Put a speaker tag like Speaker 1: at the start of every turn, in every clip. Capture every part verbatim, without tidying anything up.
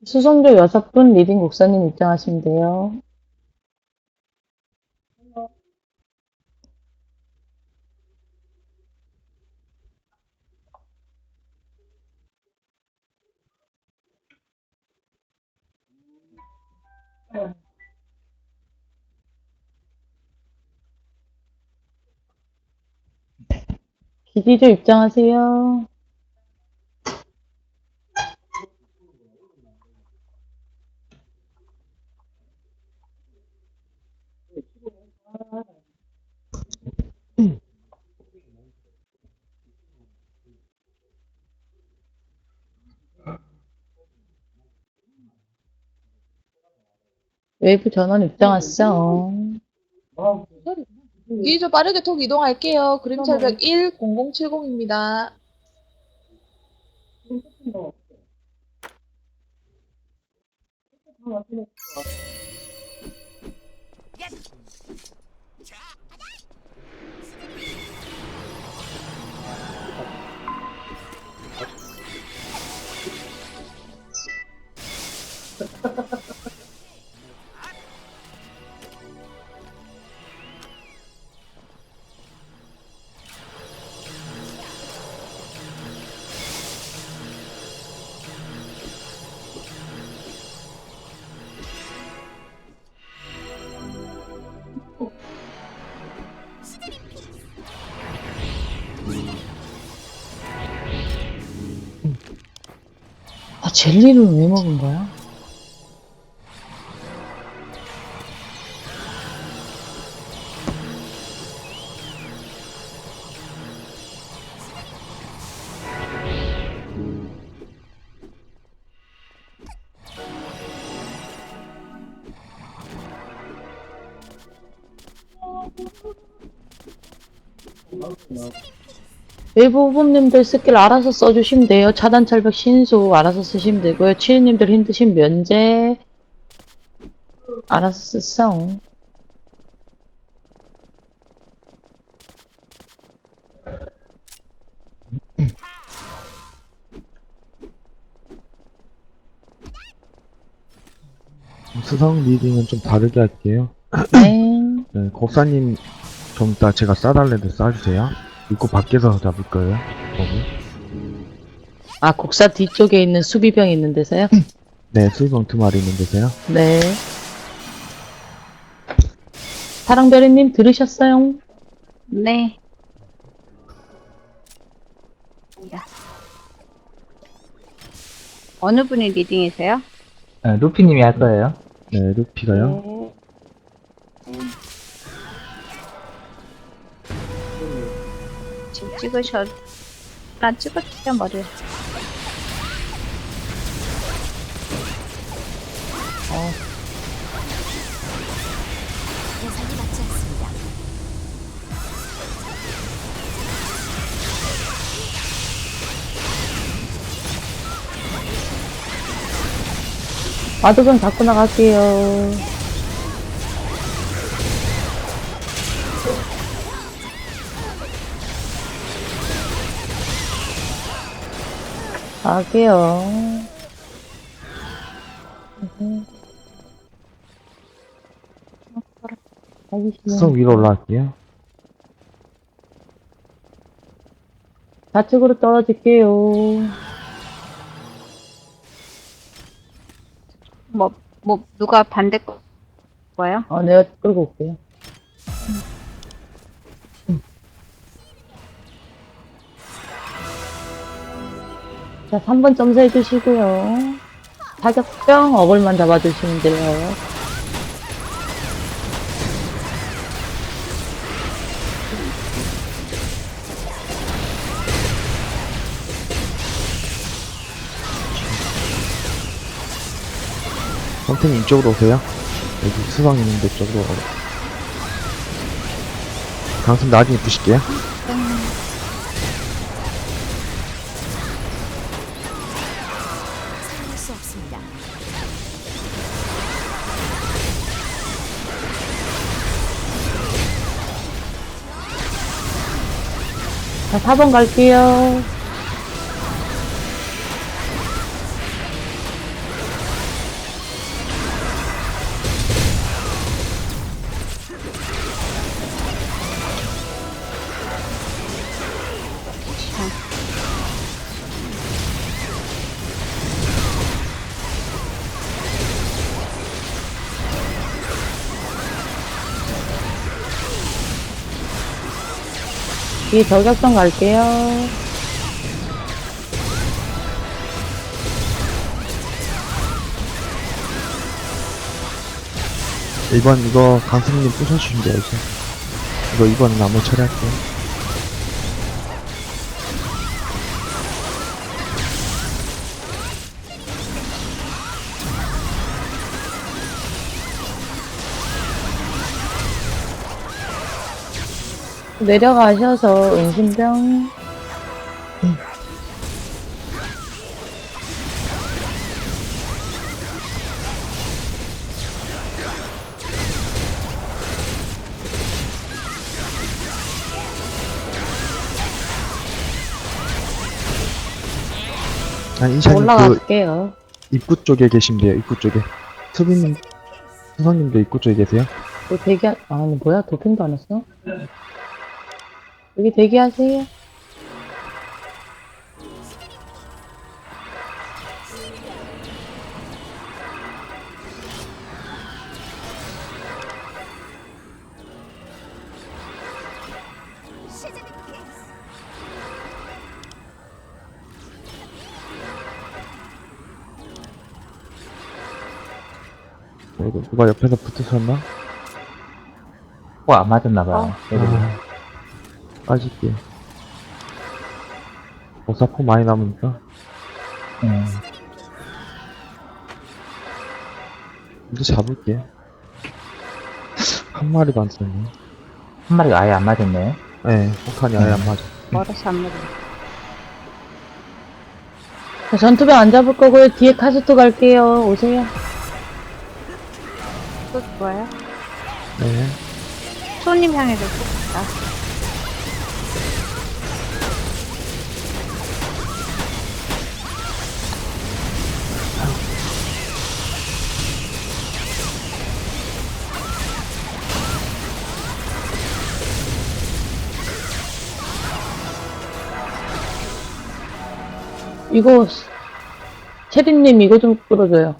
Speaker 1: 수성조 여섯 분 리딩 곡사님 입장하시면 돼요. 기디조 입장하세요. 외부 전원 입장하시죠.
Speaker 2: 이제 빠르게 톡 이동할게요. 그림철벽 일 공공칠공입니다.
Speaker 1: 아, 젤리를 왜 먹은 거야? 외부 후보님들 스킬 알아서 써주시면 돼요. 차단 철벽 신속 알아서 쓰시면 되고요. 치유님들 힘드신 면제 알아서 쓰세요.
Speaker 3: 수성 리딩은 좀 다르게 할게요.
Speaker 1: 네.
Speaker 3: 네, 곡사님 좀 이따 제가 싸달래도 싸주세요. 입구 밖에서 잡을 거예요. 거기.
Speaker 1: 아, 곡사 뒤쪽에 있는 수비병 있는 데서요?
Speaker 3: 네, 수비병 두 마리 있는 데서요.
Speaker 1: 네. 사랑별이님 들으셨어요?
Speaker 4: 네. 어느 분이 리딩이세요?
Speaker 5: 네, 루피님이 할 거예요.
Speaker 3: 네, 루피가요.
Speaker 4: 지금 찍으셔, 나 찍었죠, 머리.
Speaker 1: 마도병 잡고 나갈게요. 갈게요.
Speaker 3: 수성 위로 올라갈게요.
Speaker 1: 좌측으로 떨어질게요.
Speaker 4: 뭐, 뭐, 누가 반대 거, 거예요?
Speaker 1: 어, 내가 끌고 올게요. 자, 삼 번 점수 해주시고요. 사격병 어글만 잡아주시면 돼요.
Speaker 3: 선생님 이쪽으로 오세요. 여기 수성 있는데 쪽으로. 강습 나중에 부실게요.
Speaker 1: 자, 사 번 갈게요. 뒤에 저격전 갈게요.
Speaker 3: 일 번 이거 강승님 부셔주시면 돼요, 이제. 이거 이번 나무 처리할게요.
Speaker 1: 내려가셔서 은신병.
Speaker 3: 아니, 이샤님 그
Speaker 1: 올라갈게요.
Speaker 3: 입구 쪽에 계시면 돼요, 입구 쪽에. 수빈님, 수성님도 입구 쪽에 계세요?
Speaker 1: 뭐 대기, 아, 뭐야? 도핑도 안 했어? 여기 대기하세요.
Speaker 3: 어, 이거 누가 옆에서 붙으셨나?
Speaker 5: 어, 안 맞았나봐요. 애들이.
Speaker 3: 아, 빠질게. 오사포 많이 남으니까.
Speaker 5: 음.
Speaker 3: 이제 잡을게. 한 마리도 안 썼네.
Speaker 5: 한 마리가 아예 안 맞았네.
Speaker 3: 네, 폭탄이 아예 안 맞아.
Speaker 4: 멀어서 안 맞아.
Speaker 1: 자, 전투병 안 잡을 거고요. 뒤에 카스토 갈게요. 오세요.
Speaker 4: 또 좋아요.
Speaker 3: 네.
Speaker 4: 손님 향해서 쏘다.
Speaker 1: 이거, 체리님 이거 좀 끌어줘요.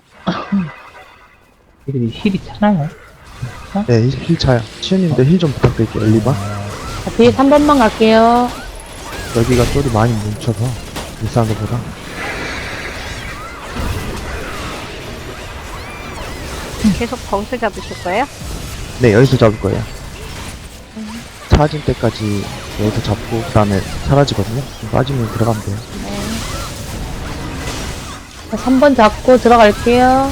Speaker 5: 애들이 힐이 차나요?
Speaker 3: 네, 힐, 힐 차요. 치유님도 힐 좀 부탁드릴게요, 일, 이 번.
Speaker 1: 자, 뒤에 삼 번만 갈게요.
Speaker 3: 여기가 쫄이 많이 뭉쳐서, 일산 것보다.
Speaker 4: 계속 거기서 잡으실 거예요?
Speaker 3: 네, 여기서 잡을 거예요. 사라질 때까지 여기서 잡고, 그 다음에 사라지거든요. 좀 빠지면 들어가면 돼요.
Speaker 1: 자, 삼 번 잡고 들어갈게요.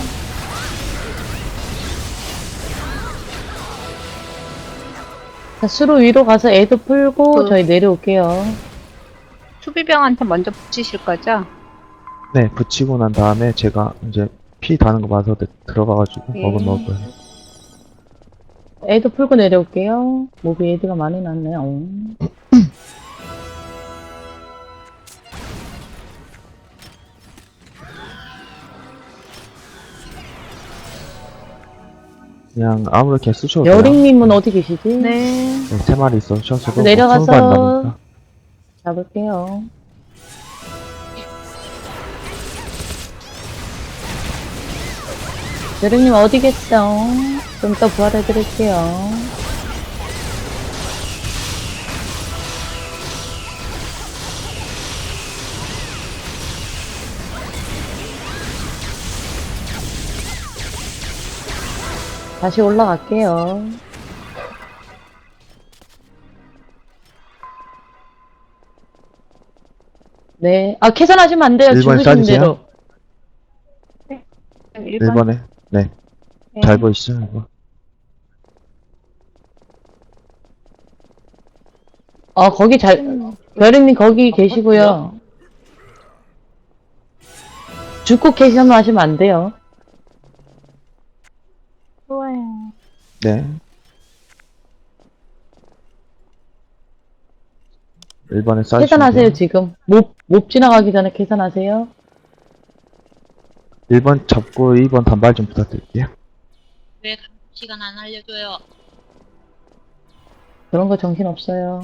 Speaker 1: 자, 수로 위로 가서 애도 풀고
Speaker 4: 그-
Speaker 1: 저희 내려올게요.
Speaker 4: 수비병한테 먼저 붙이실 거죠?
Speaker 3: 네, 붙이고 난 다음에 제가 이제 피 다는 거 봐서 들- 들어가가지고
Speaker 4: 예.
Speaker 3: 먹은 먹을 거예요.
Speaker 1: 애도 풀고 내려올게요. 몹이 애드가 많이 났네요. 어.
Speaker 3: 그냥 아무렇게 쓰셔도 돼요.
Speaker 1: 여링님은 어디 계시지?
Speaker 4: 네.
Speaker 3: 네, 세 마리 있어 셔서도
Speaker 1: 내려가서-
Speaker 3: 스무 마리 남으니까.
Speaker 1: 잡을게요. 여링님 어디 계세요? 좀 이따 부활해드릴게요. 다시 올라갈게요. 네. 아, 계산하시면 안 돼요.
Speaker 3: 일 번
Speaker 1: 죽으신
Speaker 3: 싸주세요.
Speaker 1: 대로.
Speaker 4: 일 번.
Speaker 3: 일 번에 네.
Speaker 4: 네.
Speaker 3: 잘 보이시죠? 이거.
Speaker 1: 어, 거기 잘, 여린님 거기 계시고요. 죽고 계산하시면 안 돼요.
Speaker 4: 좋아요.
Speaker 3: 네. 일 번에 싸주시면
Speaker 1: 계산하세요,
Speaker 3: 돼요.
Speaker 1: 지금. 못, 못 지나가기 전에 계산하세요.
Speaker 3: 일 번 잡고 이 번 단발 좀 부탁드릴게요.
Speaker 6: 왜 시간 안 알려줘요?
Speaker 1: 그런 거 정신 없어요.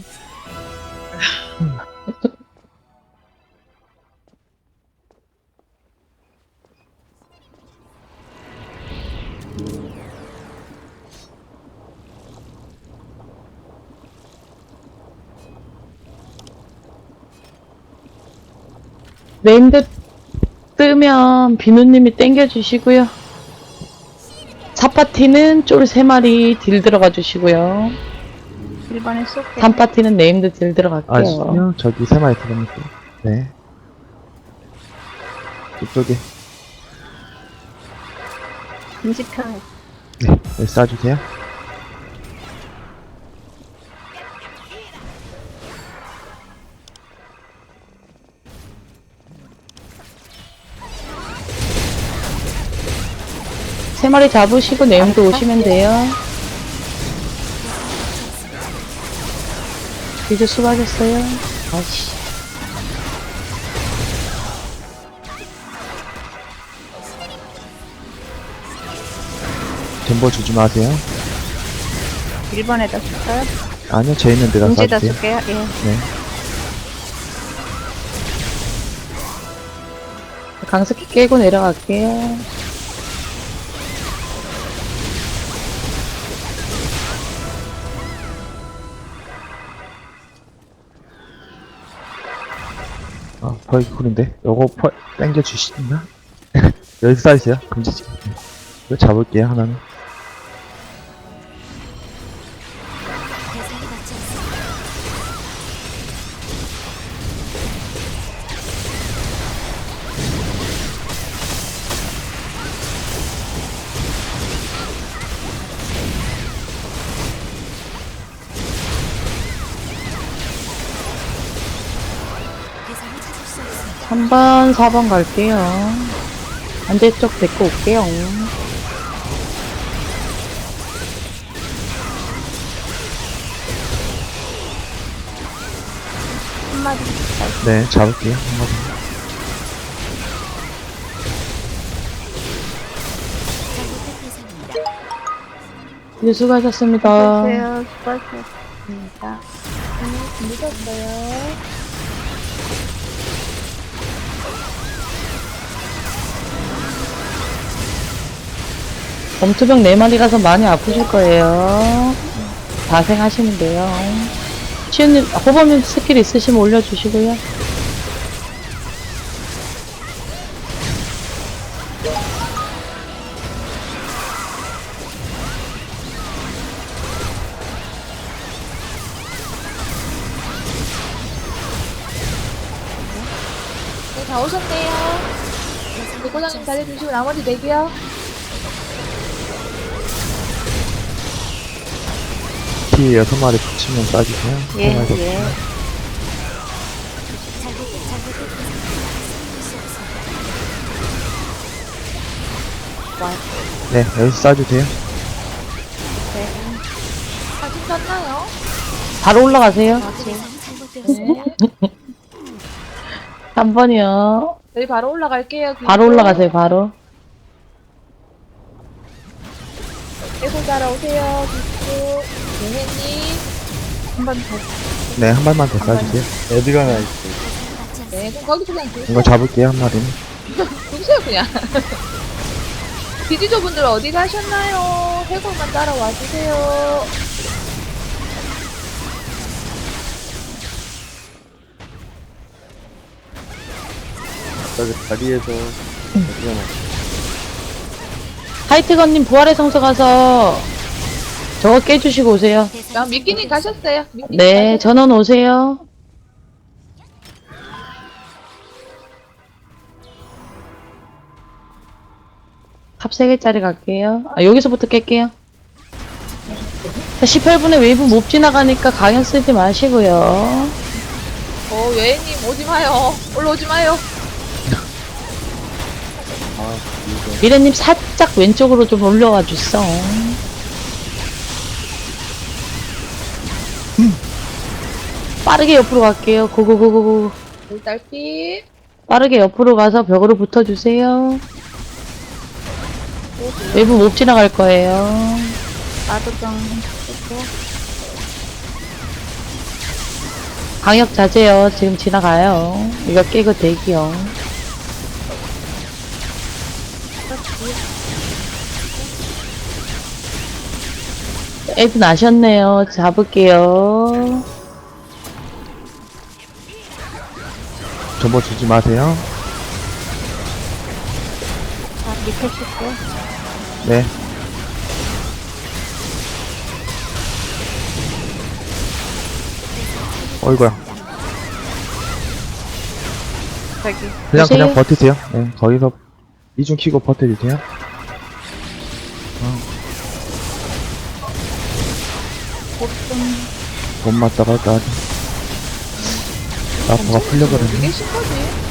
Speaker 1: 네임드 뜨면 비누님이 땡겨주시고요. 사 파티는 쫄 세 마리 딜 들어가 주시고요.
Speaker 4: 일 번에 쏠게요.
Speaker 1: 삼 파티는 네임드 딜 들어갈게요.
Speaker 3: 아시죠? 저기 세 마리 들어갑니다. 네. 이쪽에.
Speaker 4: 금지평.
Speaker 3: 네. 여기 쏴주세요.
Speaker 1: 세 마리 잡으시고 네임드 오시면 돼요. 이제 수고하셨어요. 아씨.
Speaker 3: 전보 주지 마세요.
Speaker 4: 일 번에다 쏠까요?
Speaker 3: 아니요, 제 있는 데다
Speaker 4: 금지에다
Speaker 3: 쏴주세요.
Speaker 4: 쏠게요. 예.
Speaker 3: 네.
Speaker 1: 강습기 깨고 내려갈게요.
Speaker 3: 아, 벌기 쿨인데? 요거 펄, 땡겨주시나? 여기 쏴주세요. 금지지. 이거 잡을게요, 하나는.
Speaker 1: 삼 번, 사 번 갈게요. 반대쪽 데리고 올게요.
Speaker 4: 한 마리.
Speaker 3: 네, 잡을게요. 한 마리.
Speaker 1: 이제 수고하셨습니다.
Speaker 4: 수고하세요. 수고하셨습니다.
Speaker 2: 늦었어요.
Speaker 1: 검투병 네 마리 가서 많이 아프실 거예요. 다생하시면 돼요. 치우님, 호범님 스킬 있으시면 올려주시고요.
Speaker 2: 네, 다 오셨네요. 대고장님 잘해주시고 나머지 내기요.
Speaker 3: 피 여섯 마리 붙이면 쏴주세요.
Speaker 4: 예,
Speaker 3: 세 마리 더
Speaker 4: 예.
Speaker 3: 네, 여기서 쏴주세요.
Speaker 2: 사진 켰나요?
Speaker 1: 바로 올라가세요.
Speaker 2: 네.
Speaker 1: 삼 번이요.
Speaker 2: 저희 바로 올라갈게요.
Speaker 1: 바로 올라가세요, 바로.
Speaker 2: 깨고 따라오세요. 비트. 네네님.
Speaker 4: 한 번 더.
Speaker 3: 네, 한 발만 더 쏴주세요.
Speaker 7: 어디가 나 있어?
Speaker 2: 네, 그럼 거기서 그냥 두세요.
Speaker 3: 이거 잡을게요, 한 마리는.
Speaker 2: 두세요, 그냥. 디지조 분들 어디 가셨나요? 해골만 따라와 주세요.
Speaker 7: 저기 다리에서 어디가 나 있어?
Speaker 1: 하이트건님 부활의 성서 가서 저거 깨주시고 오세요.
Speaker 2: 아, 미끼님 가셨어요. 미끼님
Speaker 1: 네,
Speaker 2: 가셨어요.
Speaker 1: 전원 오세요. 탑 세 개짜리 갈게요. 아, 여기서부터 깰게요. 자, 십팔 분에 웨이브 못 지나가니까 강연 쓰지 마시고요.
Speaker 2: 어, 외애님 오지 마요. 올라오지 마요.
Speaker 7: 아, 이거.
Speaker 1: 미래님 살짝 왼쪽으로 좀 올려와 주소. 빠르게 옆으로 갈게요. 고고고고고.
Speaker 2: 물달빛.
Speaker 1: 빠르게 옆으로 가서 벽으로 붙어주세요. 외부 못 지나갈 거예요.
Speaker 4: 나도 좀 쏠게요.
Speaker 1: 방역 자제요. 지금 지나가요. 이거 깨고 대기요. 애드 나셨네요. 잡을게요.
Speaker 3: 전보 주지 마세요.
Speaker 4: 밑에 칠게요.
Speaker 3: 네. 어이구야.
Speaker 4: 저기.
Speaker 3: 그냥,
Speaker 1: 보세요.
Speaker 3: 그냥 버티세요. 네, 거기서 이중 키고 버텨주세요. 못 맞다가 나 나포가 풀려버렸네.
Speaker 2: 이게 신거지?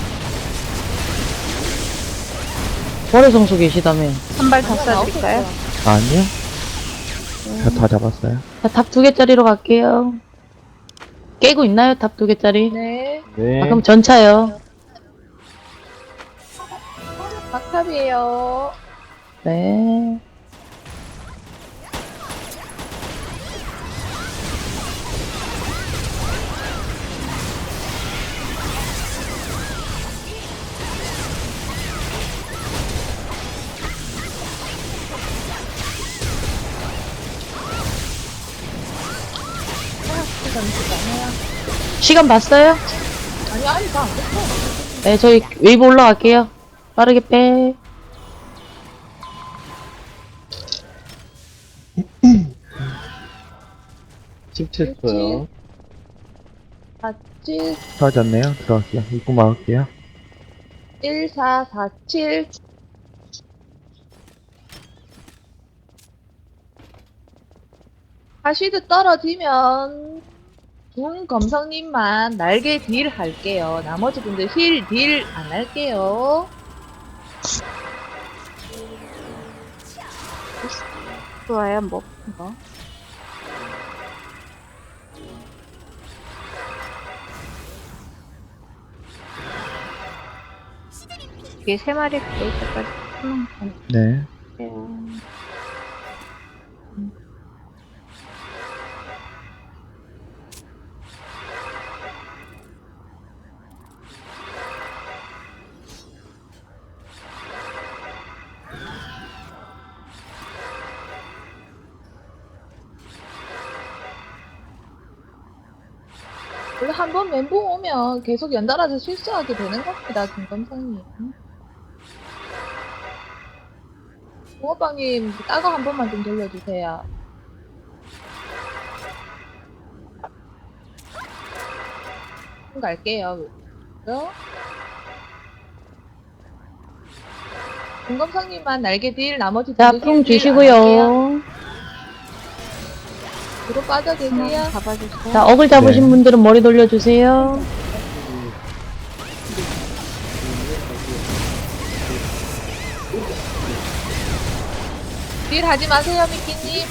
Speaker 1: 월요성소 계시다며.
Speaker 4: 한 발 더 쏴드릴까요?
Speaker 3: 아니요. 다, 다 잡았어요.
Speaker 1: 자, 탑 두 개짜리로 갈게요. 깨고 있나요? 탑 두 개짜리?
Speaker 2: 네.
Speaker 7: 네.
Speaker 1: 아, 그럼 전차요.
Speaker 2: 박탑이에요.
Speaker 1: 네. 시간 봤어요?
Speaker 2: 아니, 아니, 나안 됐어.
Speaker 1: 네, 저희 웨이브 올라갈게요. 빠르게 빼.
Speaker 7: 십칠 초요.
Speaker 2: 사칠,
Speaker 3: 하지 않네요. 들어갈게요. 입구 막을게요.
Speaker 2: 일사사칠. 하시드 떨어지면 중검성님만 날개 딜 할게요. 나머지 분들 힐 딜 안 할게요.
Speaker 4: 좋아요, 뭐, 뭐. 이게 세 마리 될 때까지 한번
Speaker 3: 네.
Speaker 4: 갈게요.
Speaker 2: 원래 한 번 멘붕 오면 계속 연달아서 실수하게 되는 겁니다, 김검성님. 붕어빵님, 따거 한 번만 좀 돌려주세요. 좀 갈게요. 그죠? 김검성님만 날개 딜, 나머지
Speaker 1: 자,
Speaker 2: 분들
Speaker 1: 풍
Speaker 2: 힐 딜 안 할게요.
Speaker 1: 주시고요.
Speaker 2: 뒤로 빠져 계세요.
Speaker 4: 잡아주세요.
Speaker 1: 자, 어글 잡으신
Speaker 3: 네.
Speaker 1: 분들은 머리 돌려주세요.
Speaker 2: 딜 하지 마세요, 미끼님.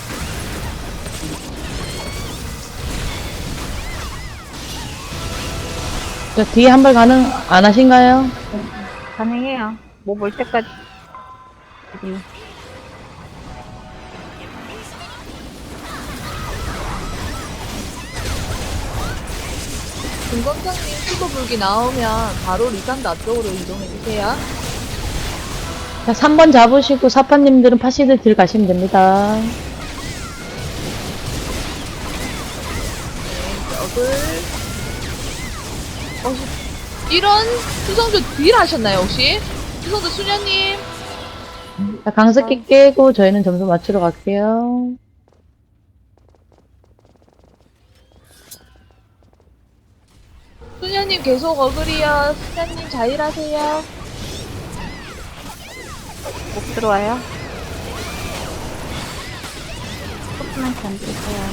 Speaker 1: 자, 뒤에 한 발 가능, 안 하신가요?
Speaker 4: 가능해요. 뭐 볼 때까지. 음.
Speaker 2: 김검성님 수도 불기 나오면 바로 리산드 앞쪽으로 이동해주세요.
Speaker 1: 자, 삼 번 잡으시고 사파님들은 파시드 딜 가시면 됩니다.
Speaker 2: 적을 어, 이런 수성조 딜 하셨나요 혹시? 수성조 수녀님
Speaker 1: 자, 강습기 깨고 저희는 점수 맞추러 갈게요.
Speaker 2: 수녀님 계속 어글이요. 수녀님 자일하세요.
Speaker 4: 목 들어와요. 조금만 견디세요.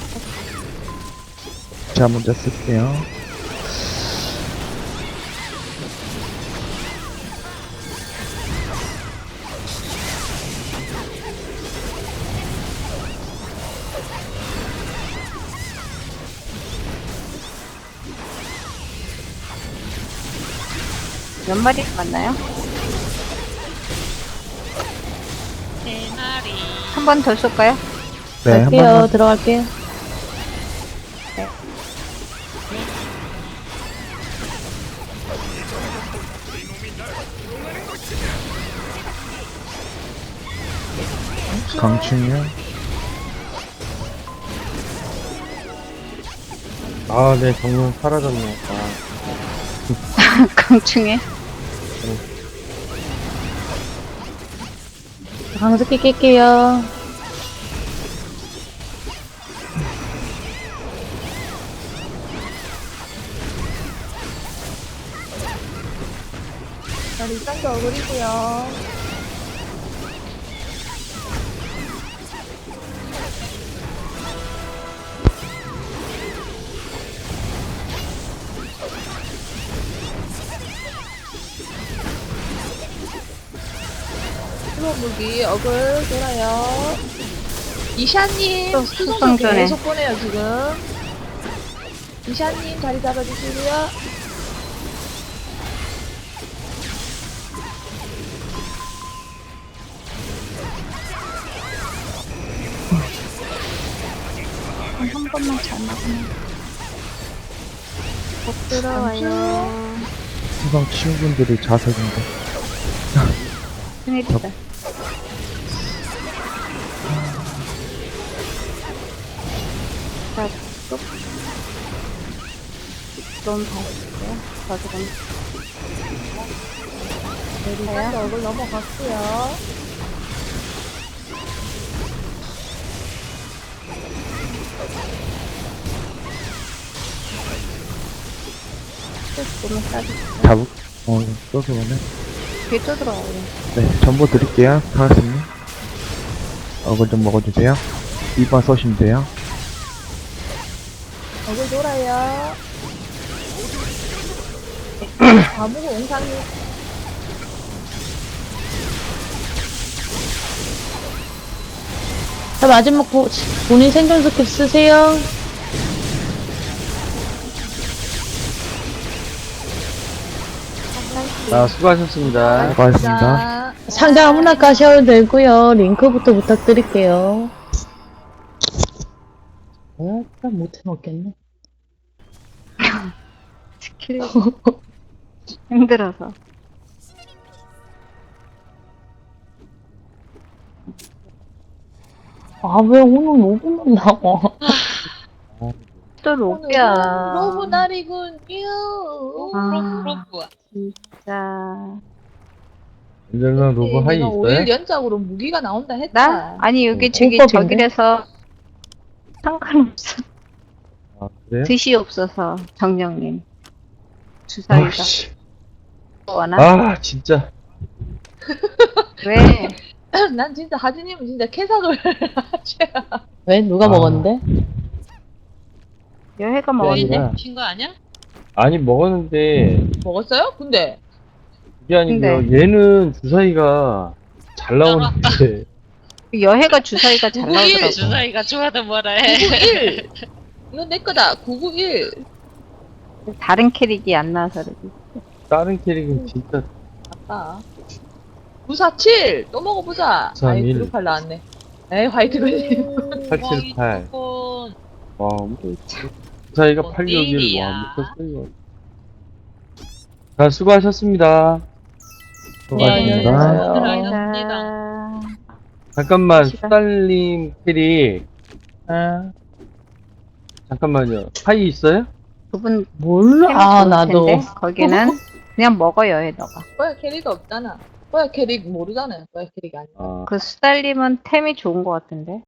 Speaker 3: 제가 먼저 쓸게요.
Speaker 4: 몇 마리 맞나요?
Speaker 6: 세 마리.
Speaker 4: 한 번 더 쏠까요?
Speaker 3: 네, 한
Speaker 1: 갈게요.
Speaker 3: 번만.
Speaker 1: 들어갈게요.
Speaker 3: 강충이요.
Speaker 7: 아, 네, 정말 사라졌네. 아,
Speaker 4: 강충에.
Speaker 1: 강습기 깰게요.
Speaker 2: 자, 일단도 어그리고요. 수로 무기 어글 돌아요. 이샤님
Speaker 4: 또
Speaker 2: 수성조
Speaker 4: 수성조네.
Speaker 2: 계속 보내요 지금. 이샤님 자리 잡아주시고요.
Speaker 4: 한 번만 잘 막으면. 못 들어와요.
Speaker 3: 수상 친구분들이 자석인데.
Speaker 4: 큰일이다. 자, 또. 너무 잘했어요. 저도 좀.
Speaker 2: 일단도 어글 넘어갔고요.
Speaker 4: 너무 싸지.
Speaker 3: 잡을, 어, 써서 오네.
Speaker 4: 뒤에 또 들어와요.
Speaker 3: 네, 전보 드릴게요. 하나씩. 어글 좀 먹어주세요. 이 번 쏘시면 돼요.
Speaker 2: 어글 돌아요. 아무고 옹상이.
Speaker 1: 자, 마지막 보, 본인 생존 스킵 쓰세요.
Speaker 7: 아, 수고하셨습니다.
Speaker 3: 수고하셨습니다.
Speaker 2: 자,
Speaker 1: 상자 아무나 까셔도 되고요. 링크부터 부탁드릴게요. 약간 못해 먹겠네.
Speaker 4: 스킬. 힘들어서.
Speaker 1: 아, 왜 오늘 로그만 나와?
Speaker 4: 또
Speaker 2: 오늘은
Speaker 4: 로비야.
Speaker 2: 로브 날이군요.
Speaker 4: 아.
Speaker 6: 로브.
Speaker 4: 진짜.
Speaker 7: 윤정상 로브 하이
Speaker 2: 내가
Speaker 7: 있어요?
Speaker 2: 오 일 연작으로 무기가 나온다 했다.
Speaker 4: 나? 아니, 여기
Speaker 3: 어,
Speaker 4: 저기
Speaker 1: 호법인데?
Speaker 4: 저길에서 상관없어.
Speaker 7: 아, 그래요?
Speaker 4: 뜻이 없어서, 정령님. 주사위가.
Speaker 7: 아씨.
Speaker 4: 원하?
Speaker 7: 아, 진짜.
Speaker 4: 왜?
Speaker 2: 난 진짜 하진님은 진짜 캐삭을 하셔야.
Speaker 1: 왜? 누가
Speaker 7: 아.
Speaker 1: 먹었는데?
Speaker 4: 여해가
Speaker 7: 네,
Speaker 4: 먹었는데?
Speaker 7: 네.
Speaker 6: 핀거 아니야?
Speaker 7: 아니, 먹었는데,
Speaker 2: 먹었어요? 근데
Speaker 7: 그게 아니고요. 얘는 주사위가 잘 나오는데,
Speaker 4: 여해가 주사위가 잘
Speaker 2: 구구일
Speaker 4: 나오더라고.
Speaker 6: 주사위가 좋아도 뭐라 해.
Speaker 2: 구구일. 이건 내 거다. 구구일.
Speaker 4: 다른 캐릭이 안 나와서 그러지.
Speaker 7: 다른 캐릭은 진짜,
Speaker 2: 아까 구사칠 또 먹어보자. 아이
Speaker 7: 구삼일.
Speaker 2: 그룹팔 나왔네. 에이 화이트 걸림.
Speaker 7: 팔칠팔.
Speaker 6: 와,
Speaker 7: 와, 뭐, 주사위가
Speaker 6: 뭔
Speaker 7: 팔 격일,
Speaker 6: 일이야.
Speaker 7: 와, 미쳤어요. 자, 수고하셨습니다.
Speaker 1: 네,
Speaker 3: 수고하셨습니다.
Speaker 1: 안녕하세요.
Speaker 4: 자,
Speaker 7: 잠깐만,
Speaker 4: 시간.
Speaker 7: 수달님 캐릭. 아, 잠깐만요. 하이 있어요?
Speaker 4: 두분
Speaker 1: 몰라. 아, 나도.
Speaker 4: 거기는 그냥 먹어 여해 너가.
Speaker 2: 뭐야 캐릭 없잖아. 뭐야 캐릭 모르잖아요. 뭐야 캐릭 아니야.
Speaker 7: 아,
Speaker 4: 그 수달님은 템이 좋은 것 같은데.